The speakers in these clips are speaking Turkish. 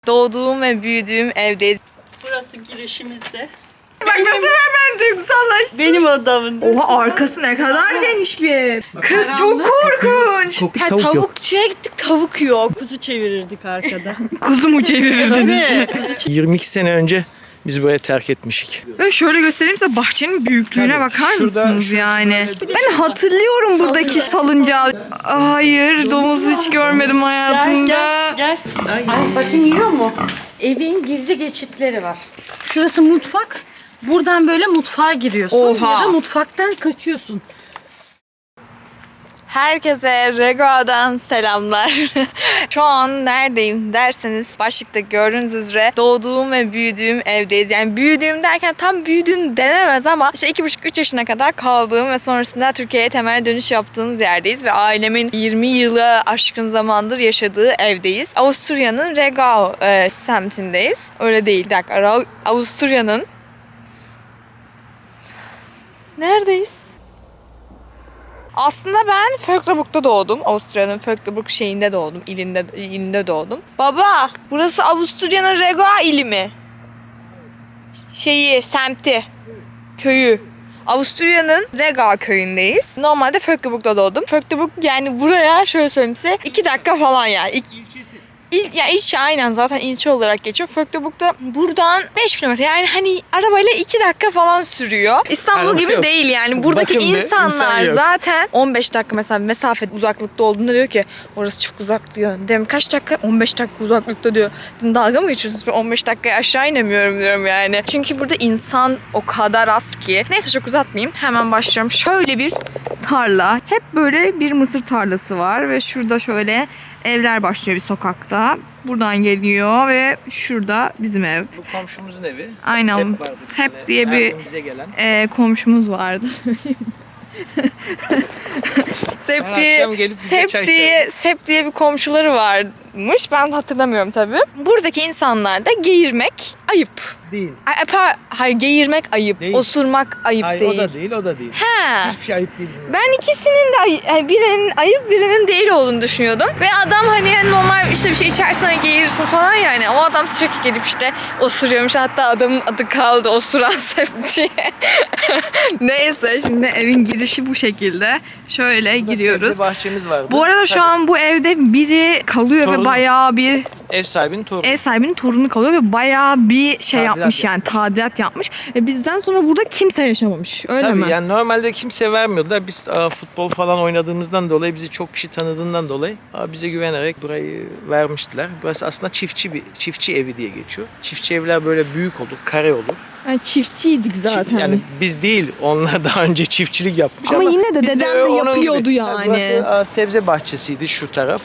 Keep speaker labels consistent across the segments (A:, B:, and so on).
A: Doğduğum ve büyüdüğüm evdeyiz.
B: Burası girişimizde.
A: Bak nasıl hemen duygusallaştım.
B: Benim odamın.
A: Oha, arkası ne kadar geniş bir ev. Kız çok korkunç. Tavukçuya gittik, tavuk yok.
B: Kuzu çevirirdik arkada.
A: Kuzu mu çevirirdiniz?
B: Tabii.
C: 22 sene önce biz burayı terk etmişik.
A: Ve şöyle göstereyim size bahçenin büyüklüğüne
C: Tabii.
A: bakar
C: Şurada-
A: mısınız
C: şurası
A: yani?
C: böyle-
A: Ben hatırlıyorum buradaki salıncağı. Hayır, domuz hiç görmedim hayatımda.
B: Gel.
D: Ay, bakın yiyor mu? Evin gizli geçitleri var. Şurası mutfak. Buradan böyle mutfağa giriyorsun.
A: Oha.
D: Ya da mutfaktan kaçıyorsun.
A: Herkese Regoa'dan selamlar. Şu an neredeyim derseniz başlıkta gördüğünüz üzere doğduğum ve büyüdüğüm evdeyiz. Yani büyüdüğüm derken tam büyüdüğüm denemez ama işte 2,5-3 yaşına kadar kaldığım ve sonrasında Türkiye'ye temel dönüş yaptığımız yerdeyiz ve ailemin 20 yılı aşkın zamandır yaşadığı evdeyiz. Avusturya'nın Regao semtindeyiz. Öyle değil, bir dakika. Avusturya'nın neredeyiz? Aslında ben Vöcklabruck'ta doğdum. Avusturya'nın Vöcklabruck şeyinde doğdum. İlinde doğdum. Baba, burası Avusturya'nın Regoa ili mi? Semti. Köyü. Avusturya'nın Regoa köyündeyiz. Normalde Vöcklabruck'ta doğdum. Vöcklabruck yani buraya şöyle söyleyeyim size 2 dakika falan ya. İlçe aynen, zaten ilçe olarak geçiyor. Vöcklabruck'ta buradan 5 kilometre, yani hani arabayla 2 dakika falan sürüyor. İstanbul
C: Araba
A: gibi
C: yok.
A: değil yani. Buradaki
C: Bakın be,
A: insanlar
C: insan yok.
A: zaten 15 dakika mesela mesafe uzaklıkta olduğunda diyor ki orası çok uzak diyor. Dedim kaç dakika? 15 dakika uzaklıkta diyor. Dedim, dalga mı geçiyorsunuz? Ben 15 dakikaya aşağı inemiyorum diyorum yani. Çünkü burada insan o kadar az ki. Neyse, çok uzatmayayım. Hemen başlıyorum. Şöyle bir tarla. Hep böyle bir mısır tarlası var ve şurada şöyle evler başlıyor bir sokakta. Buradan geliyor ve şurada bizim ev.
C: Bu komşumuzun evi.
A: Aynen.
C: Sep vardı
A: Sep
C: tane.
A: diye
C: Her
A: bir
C: gün bize gelen.
A: komşumuz vardı. Sep
C: Her
A: diye,
C: akşam gelip bize çay içerdi.
A: Sep diye bir komşuları varmış. Ben hatırlamıyorum tabii. Buradaki insanlar da geğirmek ayıp.
C: Değil.
A: Hayır, geğirmek ayıp.
C: Değil.
A: Osurmak ayıp
C: Hayır,
A: değil.
C: o da değil, o da değil.
A: Ha.
C: Hiçbir şey ayıp değil.
A: Ben ikisinin de birinin ayıp birinin değil olduğunu düşünüyordum. Ve adam hani normal işte bir şey içersen hani geğirirsin falan yani. O adam sürekli gelip işte osuruyormuş. Hatta adamın adı kaldı, osuran Sep diye. Neyse, şimdi evin girişi bu şekilde. Şöyle giriyoruz.
C: Sebze bahçemiz vardı.
A: Bu arada şu
C: Tabii.
A: an bu evde biri kalıyor ve
C: Torunu.
A: bayağı bir
C: Ev sahibinin torunu.
A: ev sahibinin torunu kalıyor ve bayağı bir şey
C: Tadilat
A: yapmış yani, tadilat yapmış. Ve bizden sonra burada kimse yaşamamış. Öyle
C: Tabii
A: mi?
C: yani normalde kimse vermiyordu. Biz futbol falan oynadığımızdan dolayı, bizi çok kişi tanıdığından dolayı bize güvenerek burayı vermiştiler. Burası aslında çiftçi evi diye geçiyor. Çiftçi evler böyle büyük olur, kare olur.
A: Yani çiftçiydik zaten.
C: Yani biz değil, onlar daha önce çiftçilik yapmış
A: Ama yine de
C: biz
A: dedem de
C: onun
A: yapıyordu
C: gibi.
A: yani.
C: Burası sebze bahçesiydi şu taraf.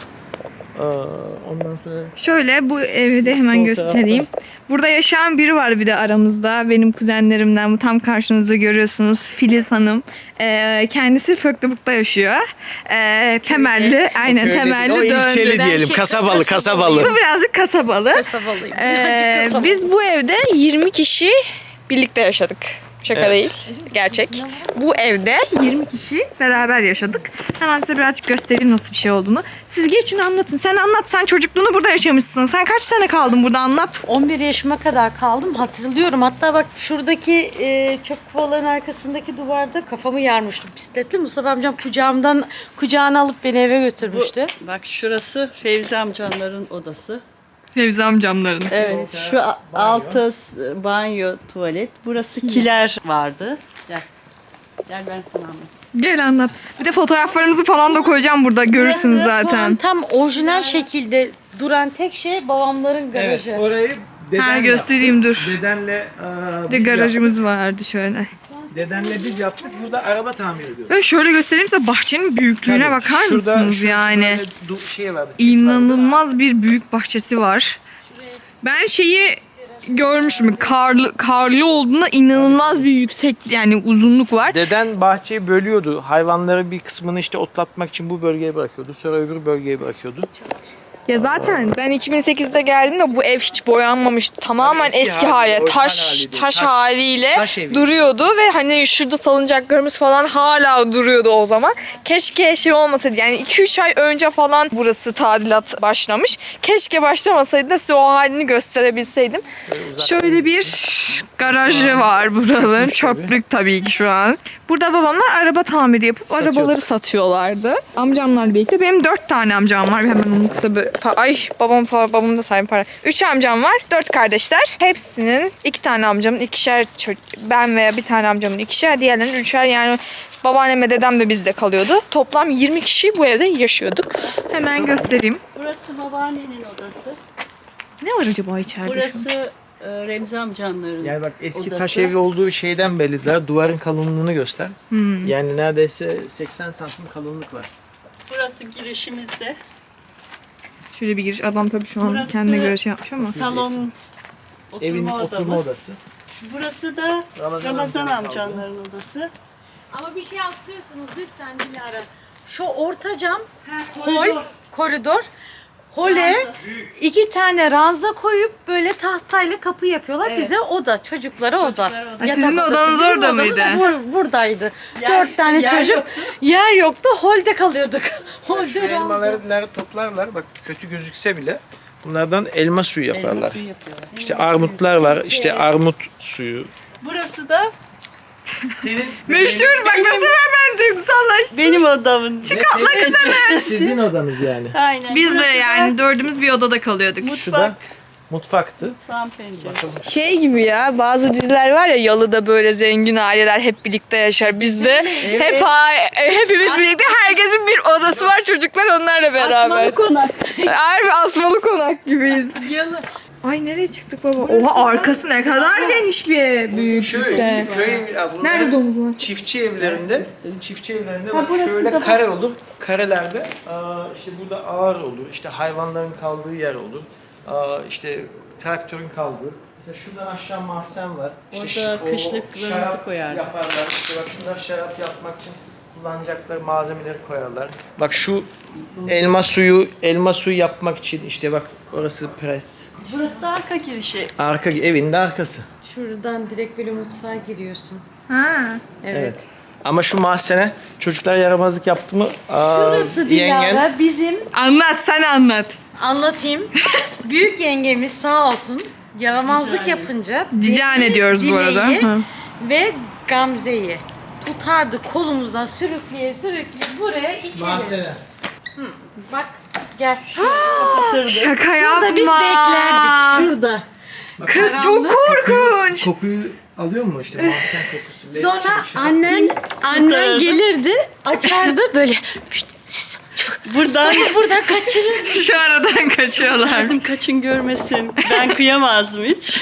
C: Ondan sonra
A: Şöyle bu evi de hemen
C: Sol
A: göstereyim. Burada yaşayan biri var bir de aramızda. Benim kuzenlerimden, bu tam karşınızda görüyorsunuz, Filiz Hanım. Kendisi Vöcklabruck'ta yaşıyor. Temelli, aynen
C: Köylü
A: temelli
C: değil, o ilçeli
A: döndü.
C: diyelim, kasabalı.
A: Bu birazcık kasabalı.
D: Kasabalıyım.
A: Biz bu evde 20 kişi birlikte yaşadık. Şaka
C: Evet.
A: değil, gerçek. Bu evde 20 kişi beraber yaşadık. Hemen size birazcık göstereyim nasıl bir şey olduğunu. Siz geçin anlatın. Sen anlat, sen çocukluğunu burada yaşamışsın. Sen kaç sene kaldın burada, anlat.
D: 11 yaşıma kadar kaldım. Hatırlıyorum. Hatta bak şuradaki çöp kovaların arkasındaki duvarda kafamı yarmıştım bisikletle. Mustafa amcam kucağına alıp beni eve götürmüştü.
B: Bak şurası Fevzi amcanların odası.
A: Fevzi amcamların.
B: Evet. Şu altı banyo, tuvalet. Burası kiler vardı. Gel. Gel ben sana anlatayım.
A: Gel anlat. Bir de fotoğraflarımızı falan da koyacağım burada, görürsünüz
D: Şu an
A: zaten.
D: tam orijinal şekilde duran tek şey babamların garajı.
C: Evet, orayı
A: Ha, göstereyim dur.
C: Dedenle
A: Bir de garajımız vardı şöyle.
C: Dedenle biz yaptık. Burada araba tamir ediyoruz.
A: Böyle şöyle göstereyim size bahçenin büyüklüğüne
C: Tabii.
A: bakar
C: Şurada-
A: mısınız
C: şurada
A: yani?
C: böyle şey vardı, çift vardı.
A: İnanılmaz bir büyük bahçesi var. Ben şeyi görmüştüm. Karlı olduğunda inanılmaz bir yüksek yani uzunluk var.
C: Deden bahçeyi bölüyordu. Hayvanları bir kısmını işte otlatmak için bu bölgeye bırakıyordu. Sonra öbür bölgeye bırakıyordu.
A: Ya zaten ben 2008'de geldiğimde bu ev hiç boyanmamış. Tamamen
C: Tabii
A: eski hali.
C: orijinal
A: Taş
C: haliydi.
A: taş haliyle
C: taş evi.
A: duruyordu ve hani şurada salıncaklarımız falan hala duruyordu o zaman. Keşke şey olmasaydı. Yani 2-3 ay önce falan burası tadilat başlamış. Keşke başlamasaydı da size o halini gösterebilseydim. Şöyle bir garajı var buranın. Çöplük tabii ki şu an. Burada babamlar araba tamiri yapıp
C: Satıyorlar.
A: arabaları satıyorlardı. Amcamlarla birlikte. Benim 4 tane amcam var. Hemen onun kısa bir... Ay babam da sahibi para. 3 amcam var. 4 kardeşler. Hepsinin 2 tane amcamın ikişer ben veya bir tane amcamın ikişer, diğerlerinin üçer, yani babaannem ve dedem de bizde kalıyordu. Toplam 20 kişi bu evde yaşıyorduk. Hemen göstereyim.
B: Burası babaannenin odası.
A: Ne var acaba içeride?
B: Burası Remzi amcanların
C: Yani bak eski
B: odası.
C: taş evi olduğu şeyden bellidir. Duvarın kalınlığını göster. Yani neredeyse 80 santim kalınlık var.
B: Burası girişimizde.
A: Şöyle bir giriş. Adam tabii şu an
B: Burası
A: kendine göre şey yapmış ama.
B: Salon,
C: Evin
B: oturma
C: oturma
B: odamız.
C: odası.
B: Burası da
C: Ramazan
B: Ramazan
C: amcanın
B: amcanların odası.
D: Ama bir şey atlıyorsunuz lütfen Dilara. Şu orta cam,
B: koridor.
D: koridor. Hole 2 tane ranza koyup böyle tahtayla kapı yapıyorlar.
B: Evet.
D: Bize oda, çocuklara oda.
B: Çocuklara oda.
A: Ha, sizin
D: Yatak
A: odanız
D: odası.
A: orada
D: Bizim odamız
A: mıydı?
D: Buradaydı.
B: Yer-
D: 4 tane
B: yer
D: çocuk.
B: yoktu.
D: Yer yoktu. Holde kalıyorduk.
C: Şu
D: Holde ranza.
C: elmaları toplarlar. Bak kötü gözükse bile bunlardan elma suyu
B: Elma
C: yaparlar.
B: suyu yapıyorlar.
C: İşte armutlar var. İşte armut suyu.
B: Burası da
C: Senin
A: Meşhur bak nasıl hemen duygusallaştı.
B: benim odamın.
C: Sizin odanız yani.
B: Aynen.
A: Biz de
B: Burası da
A: yani dördümüz bir odada kalıyorduk.
C: Şu da mutfaktı.
B: mutfağın penceresi.
A: Şey gibi ya, bazı diziler var ya, Yalı'da böyle zengin aileler hep birlikte yaşar. Bizde hepimiz birlikte, herkesin bir odası var, çocuklar onlarla beraber.
B: Asmalı konak.
A: Harbi asmalı konak gibiyiz.
D: Yalı.
A: Ay nereye çıktık baba? Oha, arkası ne kadar geniş bir büyüklükte. Nerede domuz var?
C: Çiftçi evlerinde bak
B: burası
C: şöyle
B: da
C: kare olur. Karelerde işte burada ağır olur. İşte hayvanların kaldığı yer olur. İşte traktörün kaldığı. Mesela şuradan aşağı mahzen var. İşte
B: Orada
C: o
B: kışlıklarımızı
C: şarap
B: koyardık.
C: yaparlar. İşte bak şuradan şarap yapmak için kullanacakları malzemeleri koyarlar. Bak şu elma suyu yapmak için işte bak orası pres.
B: Burası da arka girişi.
C: Arka evin de arkası.
D: Şuradan direkt böyle mutfağa giriyorsun.
A: Ha.
C: Evet. Ama şu mahzene çocuklar yaramazlık yaptı mı?
D: Burası
C: yengen
D: Dilara bizim,
A: Anlat, sen anlat.
D: anlatayım. Büyük yengemiz sağ olsun yaramazlık yapınca
A: Dicane diyoruz bu arada.
D: Dileği
A: Hı.
D: ve Gamze'yi tutardı kolumuzdan sürükleye buraya içeri.
C: mahzene.
D: Bak gel.
B: Kapatırdık.
A: Şaka yapma.
D: Burada biz beklerdik şurada.
A: Kız çok korkunç.
C: Kokuyu alıyor mu işte mahzen kokusu?
D: Sonra
C: Şey-
D: annen
B: Kurtarırdı.
D: gelirdi açardı böyle "Şşt, siz
B: Buradan
D: buradan kaçırır.
A: Şu aradan kaçıyorlar.
B: dedim kaçın görmesin. Ben kıyamazdım hiç.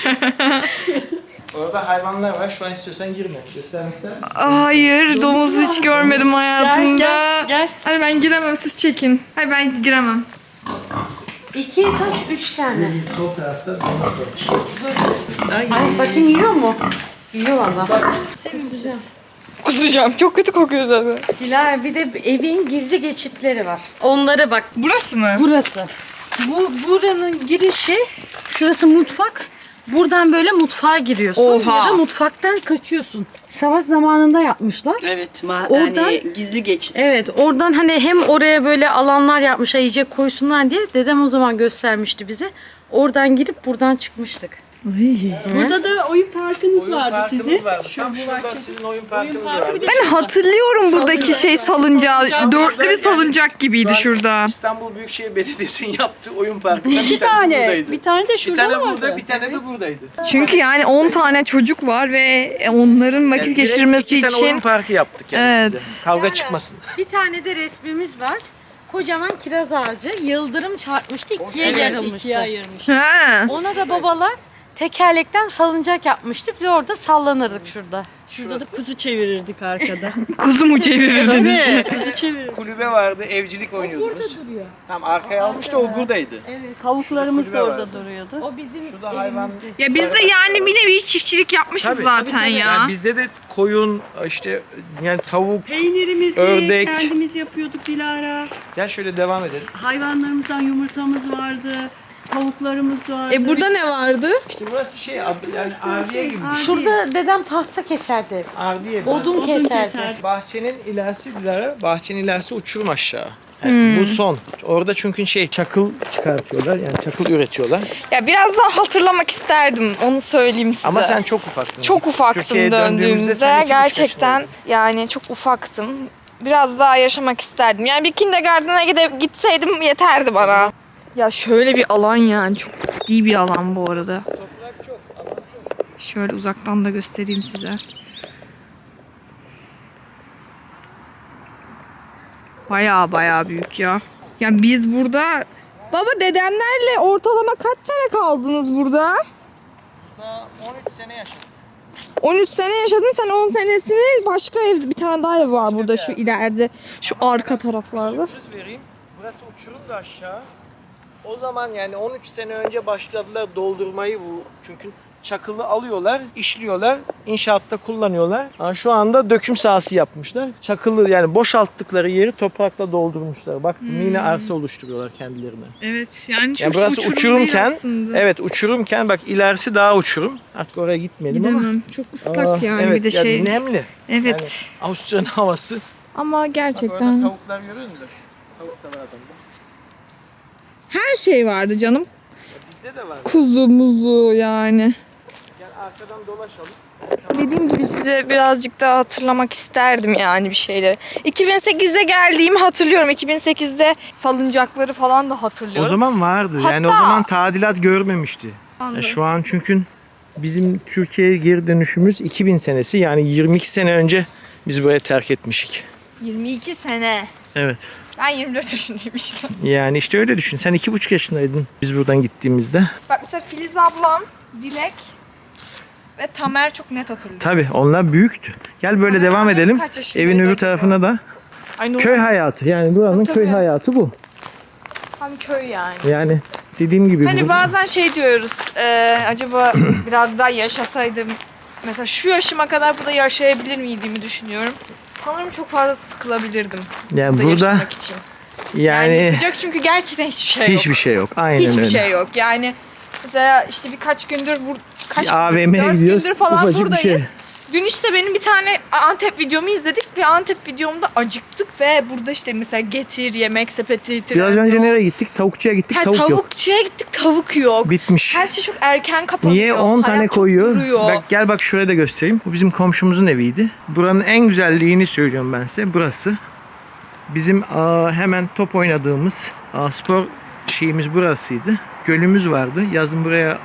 C: Orada hayvanlar var. Şu an istiyorsan girme. Göstermek ister misin?
A: Hayır, domuz hiç görmedim hayatımda.
B: Gel.
A: Hadi ben giremem, siz çekin. Hayır ben giremem.
D: 2 kaç 3 tane.
C: Sol tarafta domuz var.
D: Ay bakayım yiyor mu? Yiyor valla.
A: Kusacağım, çok kötü kokuyor zaten.
D: Dilara bir de evin gizli geçitleri var. Onlara bak.
A: Burası mı?
D: Burası. Buranın girişi, şurası mutfak. Buradan böyle mutfağa giriyorsun
A: Oha.
D: ya da mutfaktan kaçıyorsun. Savaş zamanında yapmışlar.
B: Evet,
D: Oradan-
B: yani gizli geçit.
D: Evet, oradan hani hem oraya böyle alanlar yapmışlar yiyecek koysunlar diye dedem o zaman göstermişti bize. Oradan girip buradan çıkmıştık.
B: Burada da oyun parkınız vardı sizin.
C: Vardı.
B: Şu
C: Tam
B: bu
C: şurada
B: bahçe-
C: sizin oyun parkınız
B: parkı
C: vardı.
B: bir de
A: Ben hatırlıyorum buradaki şey salıncağı. Dörtlü bir salıncak gibiydi
C: Şu an
A: şurada.
C: İstanbul Büyükşehir Belediyesi'nin yaptığı oyun parkından
B: İki
C: bir tanesi
B: tane.
C: buradaydı.
B: Bir tane de
C: Bir
B: şurada
C: tane
B: vardı.
C: burada, bir tane de buradaydı.
A: Çünkü yani 10 tane çocuk var ve onların vakit
C: Yani
A: geçirmesi
C: direkt iki tane oyun
A: için
C: parkı yaptık yani
A: Evet.
C: size. Kavga
D: Yani
C: çıkmasın.
D: Bir tane de resmimiz var. Kocaman kiraz ağacı. Yıldırım çarpmıştı, ikiye
B: Evet,
D: yarılmıştı.
B: ikiye ayırmış.
A: ha.
D: Ona da babalar tekerlekten salıncak yapmıştık ve orada sallanırdık şurada.
B: Şurada da kuzu çevirirdik arkada.
A: Kuzu mu çevirirdiniz?
B: Tabii, kuzu çevirirdik.
C: Kulübe vardı, evcilik oynuyordunuz.
D: duruyor.
C: Tam arkaya almıştı, o buradaydı.
B: Tavuklarımız
C: kulübe
B: da orada
C: vardı.
B: duruyordu.
D: O bizim
C: Şurada hayvan...
A: Ya biz de yani bir nevi çiftçilik yapmışız
C: Tabii,
A: zaten
C: tabii.
A: ya.
C: Yani bizde de koyun, işte yani tavuk.
B: Peynirimizi
C: Ördek.
B: kendimiz yapıyorduk Dilara.
C: Gel şöyle devam edelim.
B: Hayvanlarımızdan yumurtamız vardı. Tavuklarımız vardı.
A: Burada ne vardı?
C: İşte burası şey, yani ardiye gibi.
D: Şurada dedem tahta keserdi.
C: Ardiye burası.
D: Odun keserdi.
B: keserdi.
C: Bahçenin ilerisi Dilara, bahçenin ilerisi uçurum aşağı. Yani bu son. Orada çünkü şey çakıl çıkartıyorlar, yani çakıl üretiyorlar.
A: Ya biraz daha hatırlamak isterdim, onu söyleyeyim size.
C: Ama sen çok ufaktın.
A: çok ufaktım
C: Türkiye'ye döndüğümüzde
A: döndüğümüzde.
C: sen 2,5
A: Gerçekten
C: yaşındaydın.
A: yani çok ufaktım. Biraz daha yaşamak isterdim. Yani bir kindergarten'a gitseydim yeterdi bana. Ya şöyle bir alan yani, çok ciddi bir alan bu arada.
C: Toprak çok, alan çok.
A: Şöyle uzaktan da göstereyim size. Baya büyük ya. Ya biz burada... Baba dedemlerle ortalama kaç sene kaldınız burada?
C: Daha 13 sene yaşadım.
A: 13 sene yaşadın, sen 10 senesini başka ev, bir tane daha ev var burada şu ileride, şu arka taraflarda.
C: Sürpriz vereyim. Burası uçurum da aşağı. O zaman yani 13 sene önce başladılar doldurmayı bu. Çünkü çakılı alıyorlar, işliyorlar, inşaatta kullanıyorlar. Ama şu anda döküm sahası yapmışlar. Çakılı yani boşalttıkları yeri toprakla doldurmuşlar. Baktım yine arsa oluşturuyorlar kendilerine.
A: Evet yani çok
C: Yani burası
A: uçurum
C: uçurumken,
A: değil aslında.
C: evet uçurumken bak ilerisi daha uçurum. Artık oraya gitmeyelim ama.
A: Gidemem. Çok ıslak
C: Aa,
A: yani
C: evet,
A: bir de
C: ya
A: şey.
C: nemli.
A: Evet.
C: Yani Avusturya'nın havası.
A: Ama
C: Bak orada
A: gerçekten
C: tavuklar görüyor musun? Tavuk da var adamda.
A: her şey vardı canım.
C: Ya bizde de var.
A: Kuzu muzu yani.
C: Yani arkadan dolaşalım.
A: Dediğim gibi size birazcık daha hatırlamak isterdim yani bir şeyleri. 2008'de geldiğimi hatırlıyorum. 2008'de salıncakları falan da hatırlıyorum.
C: O zaman vardı. Yani o
A: Hatta-
C: zaman tadilat görmemişti.
A: Anladım.
C: Şu an çünkü bizim Türkiye'ye geri dönüşümüz 2000 senesi. Yani 22 sene önce biz burayı terk etmişik.
A: 22 sene.
C: Evet.
A: Ben 24 yaşındaymışım.
C: Yani işte öyle düşün. Sen 2,5 yaşındaydın biz buradan gittiğimizde.
A: Bak mesela Filiz ablam, Dilek ve Tamer çok net hatırlıyor.
C: Tabii onlar büyüktü. Gel böyle devam edelim.
A: kaç yaşındaydı
C: Evin öbür
A: acaba?
C: tarafına da.
A: Ay, ne
C: Köy hayatı. Yani buranın
A: Tabii.
C: köy hayatı bu.
A: Tam köy yani.
C: Yani dediğim gibi.
A: Hani
C: bu-
A: bazen şey diyoruz, acaba biraz daha yaşasaydım, mesela şu yaşıma kadar burada yaşayabilir miydiğimi düşünüyorum. Sanırım çok fazla sıkılabilirdim
C: yani
A: burada
C: burada
A: yaşamak için. Yani
C: yani
A: yapacak çünkü gerçekten hiçbir şey yok.
C: hiçbir şey yok. Aynen
A: Hiçbir
C: öyle.
A: şey yok. Yani mesela işte birkaç gündür kaç gündür?
C: AVM'ye
A: 4
C: gidiyoruz,
A: gündür falan
C: ufacık bir
A: buradayız.
C: şey.
A: Dün işte benim bir tane Antep videomu izledik ve Antep videomda acıktık ve burada işte mesela getir, yemek sepeti,
C: Biraz
A: Trendyol.
C: önce nereye gittik? Tavukçuya gittik.
A: Ha,
C: Tavuk yok.
A: tavukçuya gittik, tavuk yok.
C: Bitmiş.
A: Her şey çok erken kapanıyor.
C: Niye 10 tane
A: Hayat çok
C: koyuyor?
A: duruyor.
C: Bak gel bak şuraya da göstereyim. Bu bizim komşumuzun eviydi. Buranın en güzelliğini söylüyorum ben size. Burası. Bizim hemen top oynadığımız spor şeyimiz burasıydı. Gölümüz vardı. Yazın buraya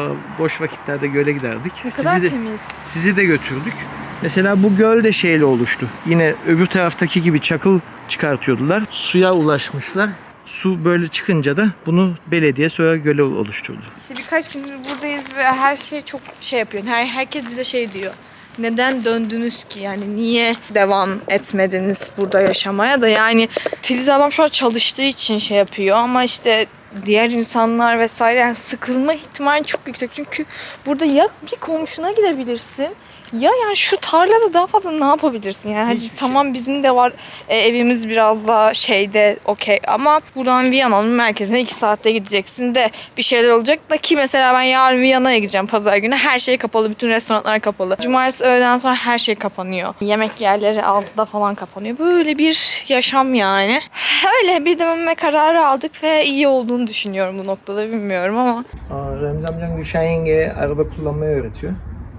C: boş vakitlerde göle giderdik.
A: Ne kadar temiz.
C: Sizi de götürdük. Mesela bu göl de şeyle oluştu. Yine öbür taraftaki gibi çakıl çıkartıyordular. Suya ulaşmışlar. Su böyle çıkınca da bunu belediye sonra göle oluşturdu.
A: İşte birkaç gündür buradayız ve her şey çok şey yapıyor. Herkes bize şey diyor. Neden döndünüz ki? Yani niye devam etmediniz burada yaşamaya da? Yani Filiz ablam şu an çalıştığı için şey yapıyor ama işte diğer insanlar vesaire yani sıkılma ihtimali çok yüksek. Çünkü burada ya bir komşuna gidebilirsin ya yani şu tarlada daha fazla ne yapabilirsin? Yani hadi tamam bizim de var evimiz biraz daha şeyde okey ama buradan Viyana'nın merkezine 2 saatte gideceksin de bir şeyler olacak da ki mesela ben yarın Viyana'ya gideceğim pazar günü. Her şey kapalı. Bütün restoranlar kapalı. Cumartesi öğleden sonra her şey kapanıyor. Yemek yerleri 6'da falan kapanıyor. Böyle bir yaşam yani. Öyle bir dönme kararı aldık ve iyi olduğunu düşünüyorum bu noktada bilmiyorum ama.
C: Remzi amcam Gülşen yengeye araba kullanmayı öğretiyor.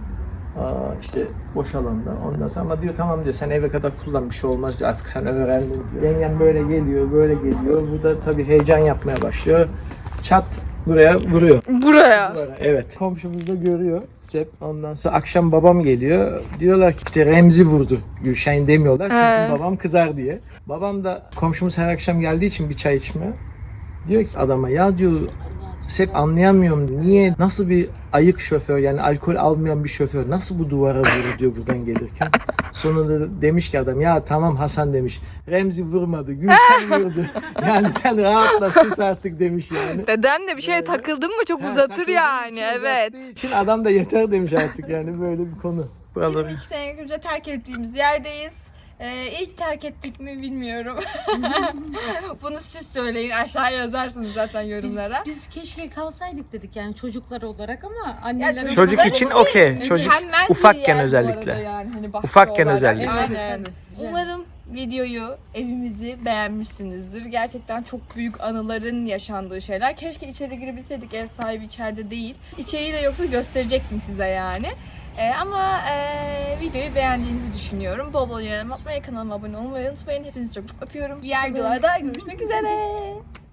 C: İşte boş alanda. Ondan sonra ama diyor tamam diyor sen eve kadar kullan bir şey olmaz diyor artık sen öğrendin diyor. Yengem böyle geliyor böyle geliyor. Bu da tabii heyecan yapmaya başlıyor. Çat buraya vuruyor.
A: Buraya.
C: Evet. Komşumuz da görüyor. Sep. Ondan sonra akşam babam geliyor. Diyorlar ki işte Remzi vurdu. Gülşen demiyorlar çünkü babam kızar diye. Babam da komşumuz her akşam geldiği için bir çay içmeye. Diyor ki adama ya diyor Hep anlayamıyorum. Niye, nasıl bir ayık şoför, yani alkol almayan bir şoför nasıl bu duvara vurur diyor buradan gelirken. Sonunda demiş ki adam, ya tamam Hasan demiş. Remzi vurmadı, Gülşen vurdu. Yani sen rahatla, sus artık demiş yani.
A: Dedem de bir şeye takıldın mı çok uzatır
C: Takıldığı
A: yani,
C: için,
A: evet.
C: uzattığı için adam da yeter demiş artık, yani böyle bir konu. Buraları.
A: 22 sene önce terk ettiğimiz yerdeyiz. İlk terk ettik mi bilmiyorum. Bunu siz söyleyin, aşağıya yazarsınız zaten yorumlara.
D: Biz keşke kalsaydık dedik yani çocuklar olarak ama anneler...
A: tabii
C: Çocuk için okey. Çocuk
A: Mükemmel bir
C: ufakken
A: yer bu
C: özellikle.
A: arada yani, hani bahçe
C: Ufakken
A: olarak.
C: özellikle.
A: Aynen.
D: Tabii.
A: Umarım videoyu, evimizi beğenmişsinizdir. Gerçekten çok büyük anıların yaşandığı şeyler. Keşke içeri girebilseydik, ev sahibi içeride değil. İçeriği de yoksa gösterecektim size yani. Ama videoyu beğendiğinizi düşünüyorum. Bol bol yorum atmayı, kanalıma abone olmayı unutmayın. Hepinizi çok öpüyorum. Diğer videolarda görüşmek üzere.